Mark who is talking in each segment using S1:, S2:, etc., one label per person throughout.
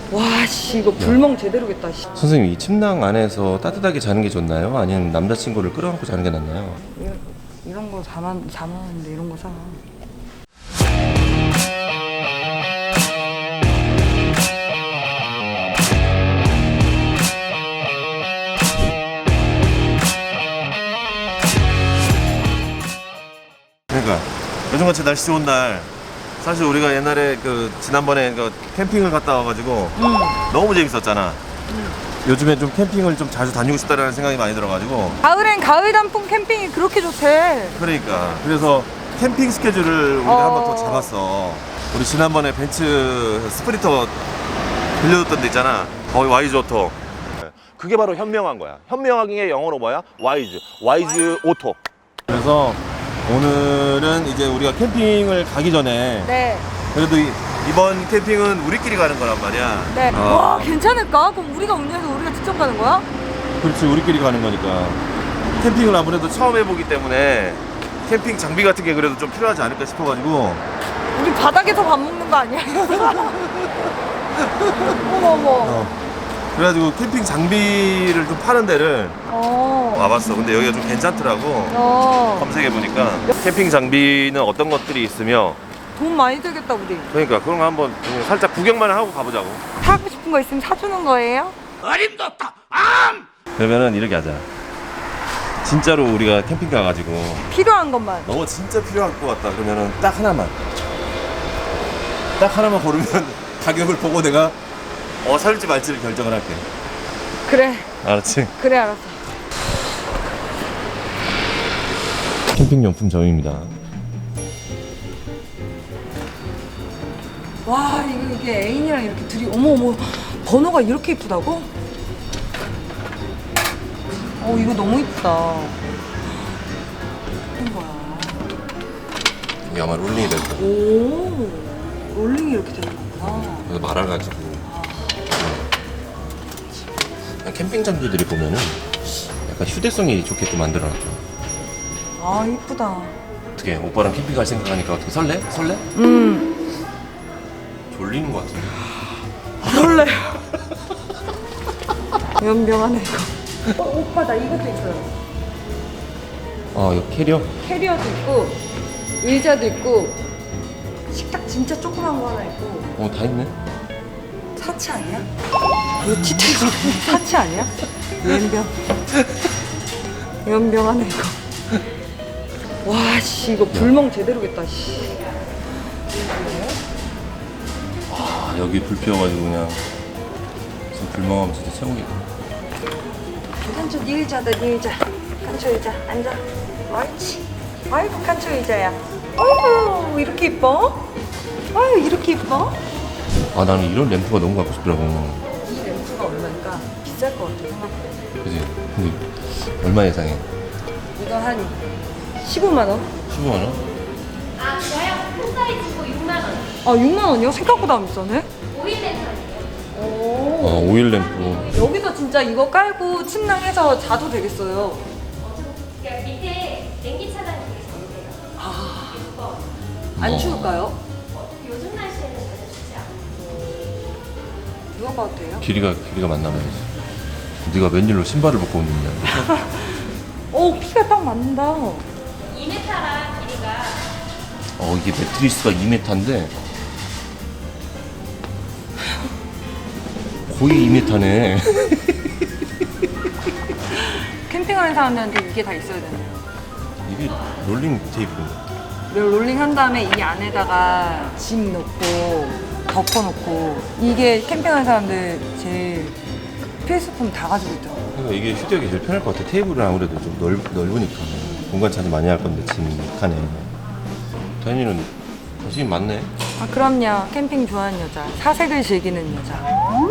S1: 와, 씨, 이거 불멍 제대로겠다, 씨.
S2: 선생님, 이 침낭 안에서 따뜻하게 자는 게 좋나요? 아니면 남자친구를 끌어안고 자는 게 낫나요?
S1: 이런 거 잠았는데 이런 거 사.
S2: 그러니까 요즘같이 날씨 좋은 날 사실 우리가 옛날에 그 지난번에 그 캠핑을 갔다 와가지고 너무 재밌었잖아. 요즘에 좀 캠핑을 좀 자주 다니고 싶다라는 생각이 많이 들어가지고
S1: 가을엔 가을 단풍 캠핑이 그렇게 좋대.
S2: 그러니까 그래서 캠핑 스케줄을 우리가 한 번 더 잡았어. 우리 지난번에 벤츠 스프린터 빌려줬던 데 있잖아. 거기 와이즈 오토. 그게 바로 현명한 거야. 현명한 게 영어로 뭐야? 와이즈 오토. 그래서 오늘은 이제 우리가 캠핑을 가기 전에
S1: 네.
S2: 그래도 이번 캠핑은 우리끼리 가는 거란 말이야.
S1: 네. 와, 괜찮을까? 그럼 우리가 운전해서 우리가 직접 가는 거야?
S2: 그렇지, 우리끼리 가는 거니까. 캠핑을 아무래도 처음 해보기 때문에 캠핑 장비 같은 게 그래도 좀 필요하지 않을까 싶어가지고.
S1: 우리 바닥에서 밥 먹는 거 아니야? 어머.
S2: 그래가지고 캠핑 장비를 좀 파는 데를 와봤어. 근데 여기가 좀 괜찮더라고. 검색해보니까 캠핑 장비는 어떤 것들이 있으며
S1: 돈 많이 들겠다, 우리.
S2: 그러니까 그런 거 한번 살짝 구경만 하고 가보자고.
S1: 사고 싶은 거 있으면 사주는 거예요?
S3: 어림도없다.
S2: 그러면은 이렇게 하자. 진짜로 우리가 캠핑 가가지고
S1: 필요한 것만.
S2: 너 진짜 필요할 것 같다 그러면은 딱 하나만 고르면 가격을 보고 내가 살지 말지를 결정을 할게.
S1: 그래.
S2: 알았지?
S1: 그래, 알았어.
S2: 캠핑용품 점입니다.
S1: 와, 이게 애인이랑 이렇게 둘이 어머 번호가 이렇게 이쁘다고? 이거 너무 이쁘다. 이런 거야.
S2: 이게 아마 롤링이 될 거야.
S1: 오, 롤링이 이렇게 되는 거구나.
S2: 그래서 말아가지고 그냥 캠핑 장비들이 보면은 약간 휴대성이 좋게끔 만들어놨죠.
S1: 아, 이쁘다.
S2: 어떻게 오빠랑 캠핑 갈 생각하니까 어떻게 설레? 졸리는 것 같은데.
S1: 설레. 연병하네 이거. 오빠 나 이것도 있어요.
S2: 이거 캐리어?
S1: 캐리어도 있고 의자도 있고 식탁 진짜 조그만 거 하나 있고.
S2: 다 있네.
S1: 사치 아니야? 이거 티테이블 사치 아니야? 연병하네 이거. 와, 씨, 이거 불멍 제대로겠다, 씨.
S2: 여기 불 피워가지고 그냥 지금 불멍하면 진짜 최고겠다.
S1: 칸초 네 의자다, 네 의자. 칸초 의자 앉아. 옳지. 아이고, 칸초 의자야. 아이고, 이렇게 이뻐? 아유, 이렇게 이뻐?
S2: 나는 이런 램프가 너무 갖고 싶더라고.
S1: 이 램프가 얼마니까 비쌀 것 같아, 생각보다.
S2: 그지? 근데 얼마 예상해?
S1: 이거 한 15만 원?
S2: 15만 원?
S4: 저요? 큰 사이즈고 6만 원.
S1: 6만 원이요? 생각보다 안 비싸네?
S4: 오일 랜선이에요.
S1: 오.
S2: 오일 램프.
S1: 여기서 진짜 이거 깔고 침낭해서 자도 되겠어요.
S4: 그러니까 밑에 냉기 차단이 되게 잘 돼요. 예뻐.
S1: 안 추울까요?
S4: 요즘 날씨에는 전혀 춥지 않아요.
S1: 누가 봐도 돼요?
S2: 길이가 맞나 봐야지. 네가 웬일로 신발을 벗고 오느냐.
S1: 키가 딱 맞는다.
S4: 2m라 길이가
S2: 이게 매트리스가 2m인데 거의 2m네.
S1: 캠핑하는 사람들한테 이게 다 있어야 되네요.
S2: 이게 롤링 테이프.
S1: 롤링 한 다음에 이 안에다가 짐 넣고 덮어놓고 이게 캠핑하는 사람들 제일 필수품 다 가지고 있더라고요.
S2: 그러니까 이게 휴대하기 제일 편할 것 같아. 테이블은 아무래도 좀 넓으니까 공간 차지 많이 할 건데 짐 칸에. 다현이는 관심이 많네.
S1: 그럼요. 캠핑 좋아하는 여자, 사색을 즐기는 여자.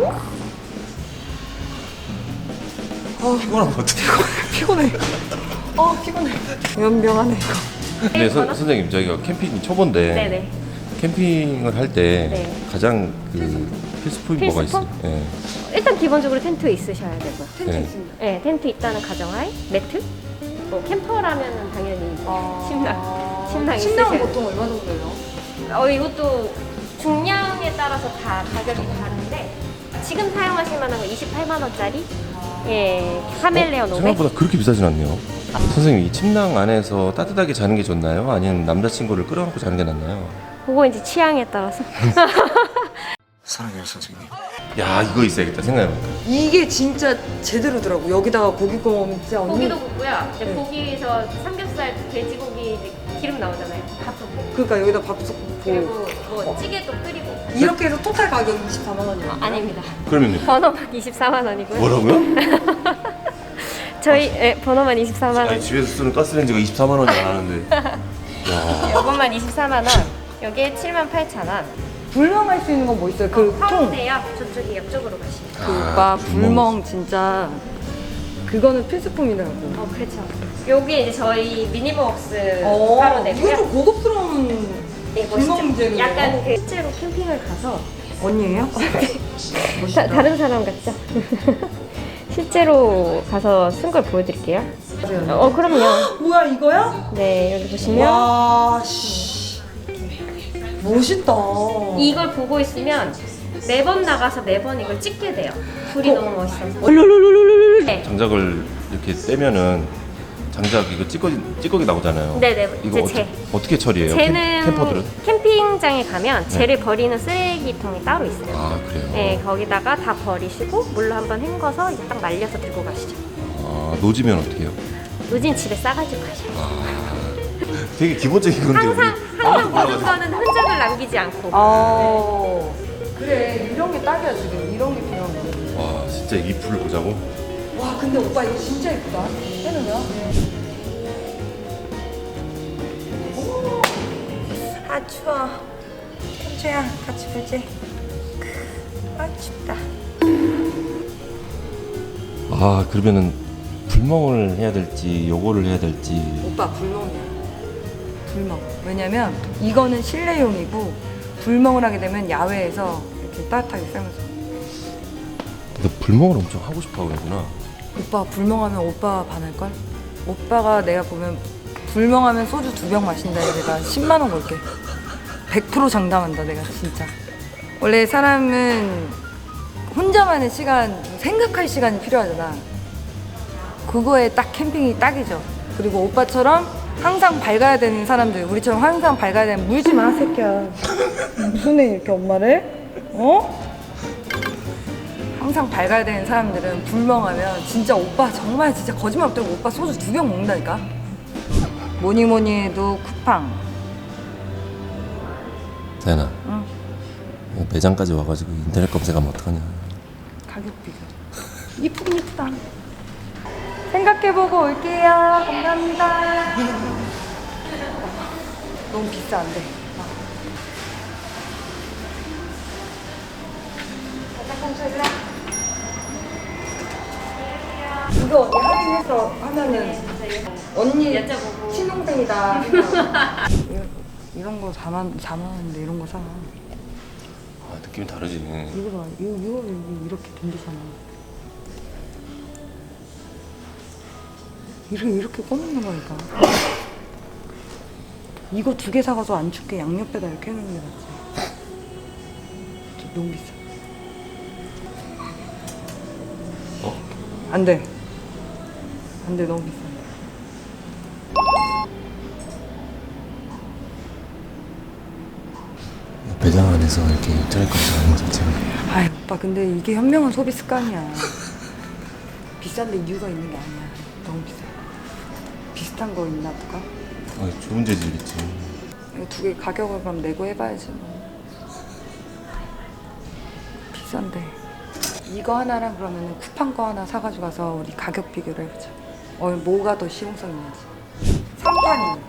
S2: 피곤한 것 같아.
S1: 피곤해. 피곤해. 연병하네 이거.
S2: 근데 선생님 저희가 캠핑 초보인데
S4: 네네.
S2: 캠핑을 할 때
S4: 네.
S2: 가장 필수품이 뭐가 있어요?
S4: 필수품?
S2: 예.
S4: 일단 기본적으로 텐트 있으셔야 되고요.
S1: 텐트
S2: 네.
S1: 있습니다.
S4: 네, 텐트 있다는 가정하에 매트? 뭐 캠퍼라면은 당연히 침낭
S1: 침낭은
S4: 있으셔야
S1: 보통 얼마 정도예요?
S4: 이것도 중량에 따라서 다 가격이 다른데 지금 사용하실 만한 거 28만 원짜리. 예, 카멜레온 500.
S2: 생각보다 그렇게 비싸진 않네요. 선생님, 이 침낭 안에서 따뜻하게 자는 게 좋나요? 아니면 남자친구를 끌어안고 자는 게 낫나요?
S4: 그거 이제 취향에 따라서.
S3: 사랑해요 선생님.
S2: 야, 이거 있어야겠다 생각해보니까.
S1: 이게 진짜 제대로더라고. 여기다가 고기 구워 먹으면 진짜 언니.
S4: 고기도 굽고요. 이제
S1: 네.
S4: 고기에서 삼겹살, 돼지고기 이제 기름 나오잖아요. 밥도 볶고.
S1: 그러니까 여기다 밥솥
S4: 그리고
S1: 굽고.
S4: 뭐 찌개도 끓이고.
S1: 이렇게 해서 토탈 가격이 24만 원이에요.
S4: 아닙니다.
S2: 그러면요?
S4: 번호만 24만 원이고요.
S2: 뭐라고요?
S4: 저희 번호만 24만 원.
S2: 아니, 집에서 쓰는 가스레인지가 24만 원이 안 하는데. 야,
S4: 요것만 24만 원. 여기에 7만 8천 원.
S1: 불멍할 수 있는 건 뭐 있어요? 그 통.
S4: 화로대요. 저쪽이 옆쪽으로 가시면.
S1: 그 오빠 불멍 진짜 그거는 필수품이더라고.
S4: 그렇죠. 여기 이제 저희 미니버스
S1: 이거
S4: 화로대고요.
S1: 좀 고급스러운
S4: 네,
S1: 불멍 재료예요.
S4: 약간 그 실제로 캠핑을 가서
S1: 언니예요?
S4: 다른 사람 같죠? 실제로 가서 쓴 걸 보여드릴게요. 그럼요.
S1: 뭐야 이거야?
S4: 네, 여기 보시면
S1: 와 씨. 멋있다.
S4: 이걸 보고 있으면 매번 나가서 매번 이걸 찍게 돼요. 불이 너무 멋있어서. 네.
S2: 장작을 이렇게 떼면은 장작 이거 찌꺼기 나오잖아요.
S4: 네네.
S2: 이거
S4: 이제 재.
S2: 어떻게 처리해요?
S4: 쟤는
S2: 캠퍼들은?
S4: 캠핑장에 가면
S2: 네.
S4: 쟤를 버리는 쓰레기통이 따로 있어요.
S2: 아, 그래요?
S4: 네, 거기다가 다 버리시고 물로 한번 헹궈서 이제 딱 말려서 들고 가시죠.
S2: 아, 노지면 어떻게 해요?
S4: 노진 집에 싸가지고 가셔요.
S2: 되게 기본적인 건데
S4: 항상 먹은 거는 흔적을 남기지 않고.
S1: 그래 이런 게 딱이야 지금. 이런 게 필요한 거야.
S2: 와, 진짜 이 불을 보자고?
S1: 와 근데 오빠 이거 진짜 예쁘다. 해놓으면. 아 추워. 현주야 같이 보지. 아 춥다.
S2: 아, 그러면은 불멍을 해야 될지 요거를 해야 될지.
S1: 오빠 불멍이야. 불멍. 왜냐면 이거는 실내용이고 불멍을 하게 되면 야외에서 이렇게 따뜻하게 쐬면서.
S2: 근데 불멍을 엄청 하고 싶어 하구나.
S1: 오빠 불멍하면 오빠 반할걸? 오빠가 내가 보면 불멍하면 소주 2병 마신다 해서 내가 10만 원 걸게. 100% 장담한다 내가 진짜. 원래 사람은 혼자만의 시간, 생각할 시간이 필요하잖아. 그거에 딱 캠핑이 딱이죠. 그리고 오빠처럼 항상 밝아야 되는 사람들, 우리처럼 항상 밝아야 되는, 물지 마 새끼야. 무슨 애 이렇게 엄마를? 어? 항상 밝아야 되는 사람들은 불멍하면 진짜 오빠 정말 진짜 거짓말 없다고 오빠 소주 2병 먹는다니까. 뭐니 해도 쿠팡.
S2: 다현아,
S1: 응.
S2: 매장까지 와가지고 인터넷 검색하면 어떡하냐.
S1: 가격 비교. 이쁘긴 이쁘다. 생각해보고 올게요. 감사합니다. 너무 비싼데. 이거 언니 할인해서 하면은 언니
S4: 여쭤보고.
S1: 친동생이다. 이런 거 4만 원인데 이런 거 사.
S2: 아, 느낌이 다르지.
S1: 이거 봐. 이거 이렇게 댕기잖아. 이렇게 꺼놓는 거니까. 이거 2개 사가서 안 춥게 양옆에다 이렇게 해놓는 게 낫지. 너무 비싸. 안 돼. 안 돼, 너무 비싸.
S2: 매장 안에서 이렇게 인터넷 검색하는 거 자체가.
S1: 아이, 오빠, 근데 이게 현명한 소비 습관이야. 비싼데 이유가 있는 게 아니야. 너무 비싸. 비슷한 거 있나 볼까?
S2: 아, 좋은 재질이겠지.
S1: 이거 2개 가격을 그럼 내고 해봐야지 뭐. 비싼데. 이거 하나랑 그러면 쿠팡 거 하나 사가지고 가서 우리 가격 비교를 해보자. 뭐가 더 실용성이 있는지. 3판이